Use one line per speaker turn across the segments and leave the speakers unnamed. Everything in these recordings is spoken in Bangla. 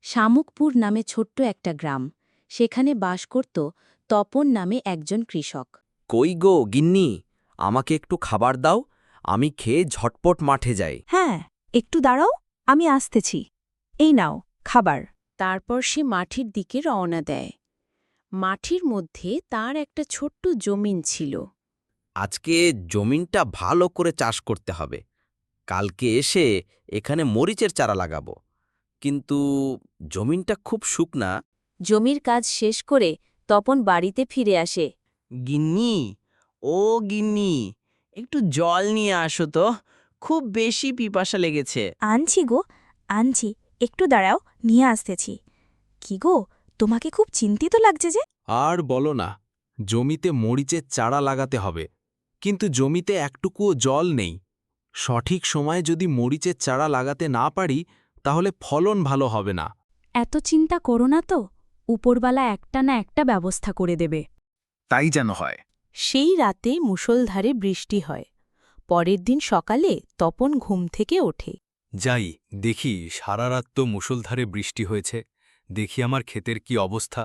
শামুকপুর নামে ছোট্ট একটা গ্রাম। সেখানে বাস করত তপন নামে একজন কৃষক।
কই গো গিন্নি, আমাকে একটু খাবার দাও, আমি খেয়ে ঝটপট মাঠে যাই।
হ্যাঁ, একটু দাঁড়াও, আমি আসতেছি। এই নাও খাবার।
তারপর সে মাঠের দিকে রওনা দেয়। মাঠের মধ্যে তার একটা ছোট্ট জমিন ছিল।
আজকে জমিনটা ভালো করে চাষ করতে হবে। কালকে এসে এখানে মরিচের চারা লাগাবো। কিন্তু জমিনটা খুব শুকনা।
জমির কাজ শেষ করে তপন বাড়িতে ফিরে আসে।
গিন্নি, ও গিন্নি, একটু জল নিয়ে আসো তো, খুব বেশি পিপাসা লেগেছে।
আনছি গো, আনছি, একটু দাঁড়াও, নিয়ে আসতেছি। কি গো, তোমাকে খুব চিন্তিত লাগছে যে?
আর বলো না, জমিতে মরিচের চারা লাগাতে হবে, কিন্তু জমিতে একটুকুও জল নেই। সঠিক সময়ে যদি মরিচের চারা লাগাতে না পারি তাহলে ফলন ভালো হবে না।
এত চিন্তা করো না তো, উপরবালা একটা না একটা ব্যবস্থা করে দেবে।
তাই যেন হয়।
সেই রাতে মুষলধারে বৃষ্টি হয়। পরের দিন সকালে তপন ঘুম থেকে ওঠে।
যাই দেখি, সারা রাত তো মুষলধারে বৃষ্টি হয়েছে, দেখি আমার ক্ষেতের কি অবস্থা।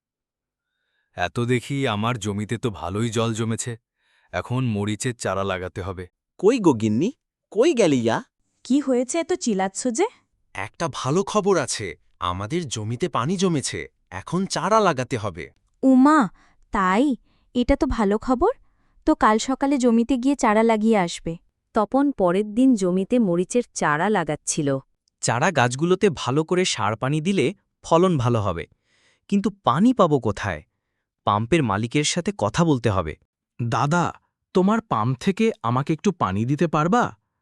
এত দেখি আমার জমিতে তো ভালোই জল জমেছে, এখন মরিচের চারা লাগাতে হবে।
কই গো গিন্নি, কই গেলিয়া?
কি হয়েছে এত চিলাচ্ছ যে?
একটা ভালো খবর আছে, আমাদের জমিতে পানি জমেছে, এখন চারা লাগাতে হবে।
উমা, তাই? এটা তো ভালো খবর। তো কাল সকালে জমিতে গিয়ে চারা লাগিয়ে আসবে।
তপন পরের দিন জমিতে মরিচের চারা লাগাচ্ছিল।
চারা গাছগুলোতে ভালো করে সার পানি দিলে ফলন ভালো হবে, কিন্তু পানি পাবো কোথায়? পাম্পের মালিকের সাথে কথা বলতে হবে।
দাদা, তোমার পাম্প থেকে আমাকে একটু পানি দিতে পারবা?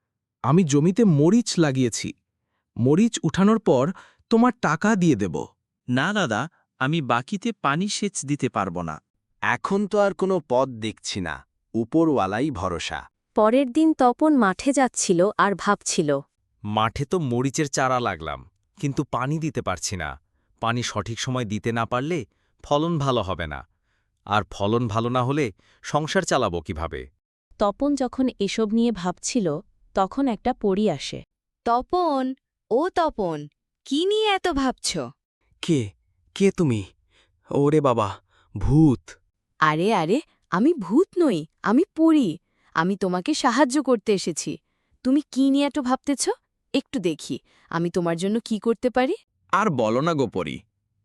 আমি জমিতে মরিচ লাগিয়েছি, মরিচ উঠানোর পর তোমার টাকা দিয়ে দেব।
না দাদা, আমি বাকিতে পানি সেচ দিতে পারবো না।
এখন তো আর কোনো পথ দেখছি না, উপরওয়ালাই ভরসা।
পরের দিন তপন মাঠে যাচ্ছিল আর ভাবছিল।
মাঠে তো মরিচের চারা লাগলাম, কিন্তু পানি দিতে পারছি না। পানি সঠিক সময় দিতে না পারলে ফলন ভালো হবে না, আর ফলন ভালো না হলে সংসার চালাবো কিভাবে?
তপন যখন এসব নিয়ে ভাবছিল, তখন একটা পরী আসে। তপন, ও তপন, কি নিয়ে এত ভাবছ?
কে কে তুমি? ওরে বাবা, ভূত!
আরে আরে, আমি ভূত নই, আমি পরী। আমি তোমাকে সাহায্য করতে এসেছি। তুমি কি নিয়ে এত ভাবতেছ? একটু দেখি আমি তোমার জন্য কি করতে পারি।
আর বলো না গোপরি,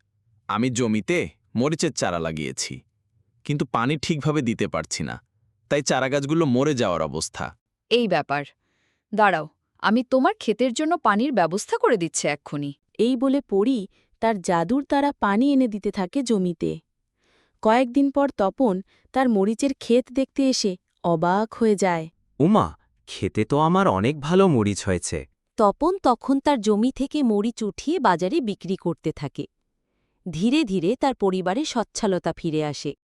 আমি জমিতে মরিচের চারা লাগিয়েছি, কিন্তু পানি ঠিকভাবে দিতে পারছি না, তাই চারাগাছগুলো মরে যাওয়ার অবস্থা।
এই ব্যাপার, দাঁড়াও, আমি তোমার ক্ষেতের জন্য পানির ব্যবস্থা করে দিচ্ছে এক্ষুনি।
এই বলে পরী তার জাদুর দ্বারা পানি এনে দিতে থাকে জমিতে। কয়েকদিন পর তপন তার মরিচের ক্ষেত দেখতে এসে অবাক হয়ে যায়।
উমা, খেতে তো আমার অনেক ভালো মরিচ হয়েছে।
তপন তখন তার জমি থেকে মরিচ উঠিয়ে বাজারে বিক্রি করতে থাকে। ধীরে ধীরে তার পরিবারে সচ্ছলতা ফিরে আসে।